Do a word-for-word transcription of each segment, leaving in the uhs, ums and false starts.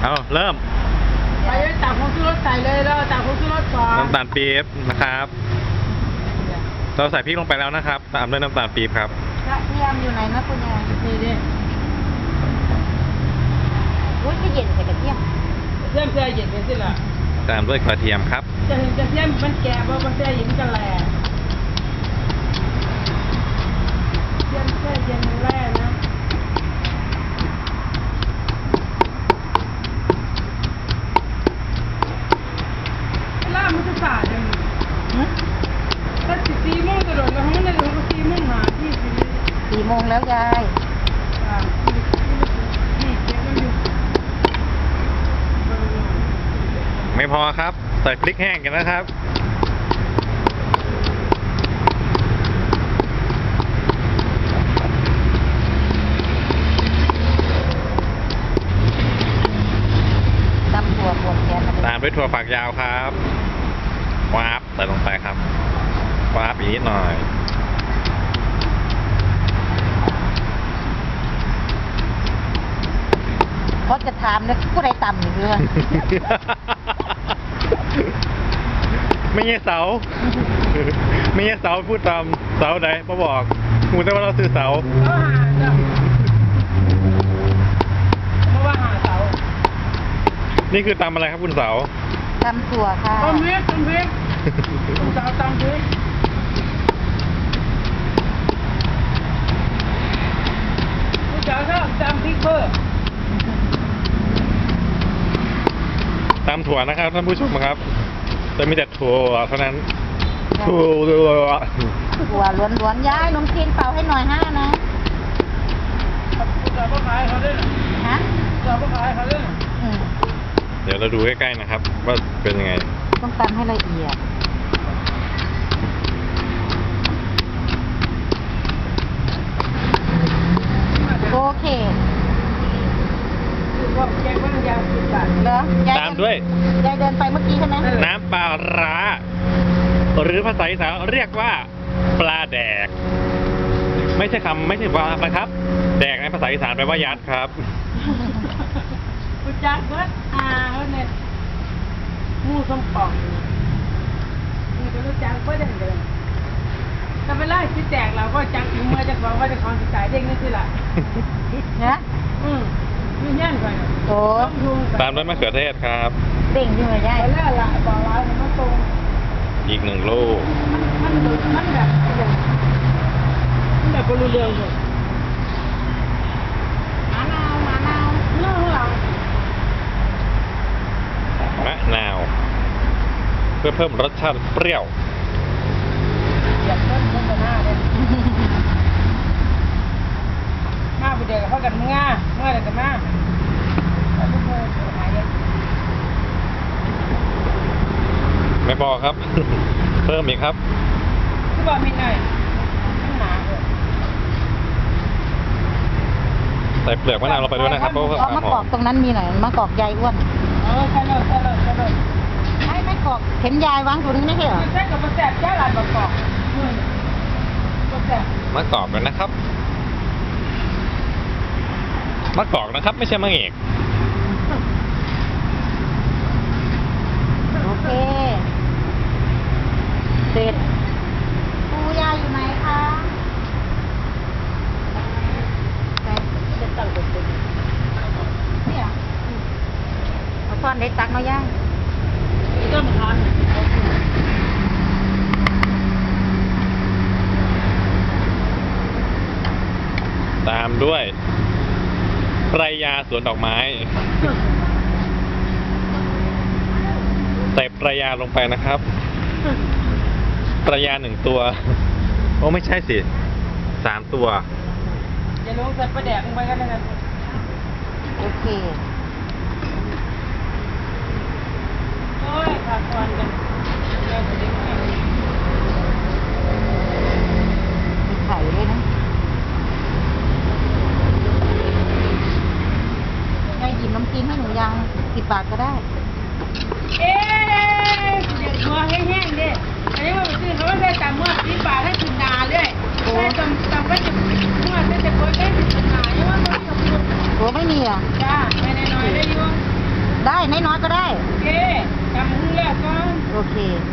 เอาเริ่มไปจับของซื้อรถใส่เลยแล้วจับของซื้อรถก่อนน้ำตาลปี๊บนะครับเราใส่พริกลงไปแล้วนะครับตามด้วยน้ำตาลปี๊บครับกระเทียมอยู่ไหนนะคุณยายนี่ดิอุ้ยก็เย็นใส่กระเทียมเทียมเสียเย็นเป็นสิล่ะตามด้วยกระเทียมครับจะเห็นกระเทียมมันแก่เพราะมันเสียเย็นกันแหละเทียมเสียเย็นแร่นะล่ามันจะสาดยังถ้าสิบสี่โมงกระโดดแล้วมันในหลวงก็สี่โมงหาที่สี่สี่โมงแล้วยายไม่พอครับใส่พริกแห้งกันนะครับตำถั่วบวกแกนตามด้วยถั่วฝักยาวครับวาบใส่ลงไปครับวาบอีกนิดหน่อยเพราะจะถามเลยผู้ใดต่ำอยู่เรื่องไม่ใช่เสาไม่ใช่เสาพูดตามเสาไหนมาบอกมูแต่ว่าเราซื้อเสาเขาหาจ้ะเพราะว่าหาเสานี่คือตำอะไรครับคุณเสาตำถั่วค่ะตำพริกตำพริกคุณเสาตำพริกคุณเสาชอบตำพริกเพิ่มตำถั่วนะครับท่านผู้ชมครับจะมีแต่ถั่วเท่านั้นถั่วถั่วล้วนๆย้ายนมจีนเป่าให้หน่อยห้านะคุณเสาก็ขายเขาด้วยฮะคุณเสาก็ขายเขาด้วยเดี๋ยวเราดูใกล้ๆนะครับว่าเป็นยังไงต้องตำให้ละเอียดโอเคตามด้วยยายเดินไปเมื่อกี้ใช่ไหมน้ำปลาร้าหรือภาษาอีสานเรียกว่าปลาแดกไม่ใช่คำไม่ใช่ปลานะครับแดกในภาษาอีสานแปลว่ายัดครับกูจักเบิดอ่าเขาเนี่ยมูสมปองนี่ก็รู้จักเบิดอย่างเดิมถ้าเวลาคิดแจกเราก็จักถึงเมื่อจะบอกว่าจะของสิจ่ายเด้งนี่สิล่ะนะอืมมีเงี้ยก่อนโอ้ตามด้วยมะเขือเทศครับเด้งที่มันได้ไปแล้วละบอกร้ายมันตรงอีกหนึ่งลูกมันมันแบบมันแบบบรูเรืองเลยมะนาวมะนาวเรื่องหลังมะนาวเพื่อเพิ่มรสชาติเปรี้ยวอยากเพิ่มเพิ่มหน้าเลยหน้าไปเดียวกับเขากันง่าเมื่อไรกันหน้าไม่พอครับเพิ่มอีกครับที่บอกมีหน่อยหนาเลยใส่เปลือกมะนาวลงไปด้วยนะครับเพราะว่ามะกอกตรงนั้นมีหน่อยมะกอกใหญ่อ้วนเออใช่เลยใช่เลยใช่เลยไม่ไม่กอกเห็นยายวางอยู่นี่ไม่ใช่เหรอใช่กับมะแสบแค่หลายมะกอกมะแสบมะกอกกันนะครับมะกอกนะครับไม่ใช่มะเอกโอเคเสร็จปูยาอยู่ไหนคะจะตั้งกดตัวเนี่ยเอาซ่อนเล็กตักมาย่างก็มันทานตามด้วยปรายาสวนดอกไม้ใส่ปรายาลงไปนะครับปรายาหนึ่งตัวโอ้ไม่ใช่สิสามตัวอย่าลงใส่ปลาแดกลงไปกันนะครับโอเคโอ้ยขาดควันกันเดี๋ยวจะได้ไงมีไข่ด้วยนะยายหยิบน้ำจีนให้หนูยังสิบบาทก็ได้เอ๊ะเด็กหัวแห้งๆดิอันนี้เขาซื้อเขาได้ตามเมื่อสิบบาทให้ถึงนาเลยได้ตามตามไว้ถึงเมื่อได้แต่คนได้ถึงนาเนี่ยว่าเขาไม่ยอมพูดโอ้ไม่มีอ่ะจ้าไม่แน่นอนได้ยุ่งได้น้อยๆก็ได้โอเคจำหุ้งแล้วก่อนโอเค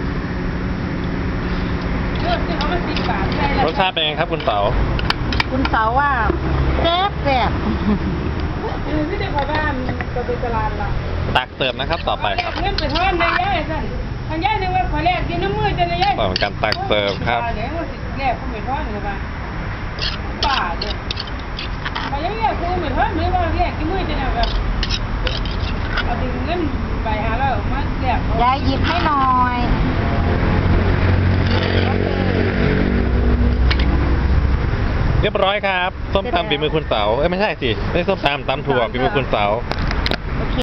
เลือกที่เขามาสิบบาทใช่แล้วรสชาติเป็นไงครับคุณเต๋าคุณเสาว่าแซ่บแซ่บเออที่เด็กขอบ้านก็ไปตลาดละตักเติมนะครับต่อไปครับเงินไปทอนในย่ายสั่นทางย่ายนึงว่าขอแลกกินน้ำมือจะในย่ายต่อเป็นการตักเติมครับเดี๋ยวมันสิแลกเขาไปทอนเลยป่ะป่าเลยพอยังแลกกูไปทอนมือว่าแลกกินมือจะเนี่ยแบบเอาดึงเงินไปหาเรามาแลกเขายายหยิบให้หน่อยเรียบร้อยครับส้มตำฝีมือคุณเต๋าเอ้ยไม่ใช่สิไม่ใช่ส้มตำตำถั่วฝีมือคุณเต๋า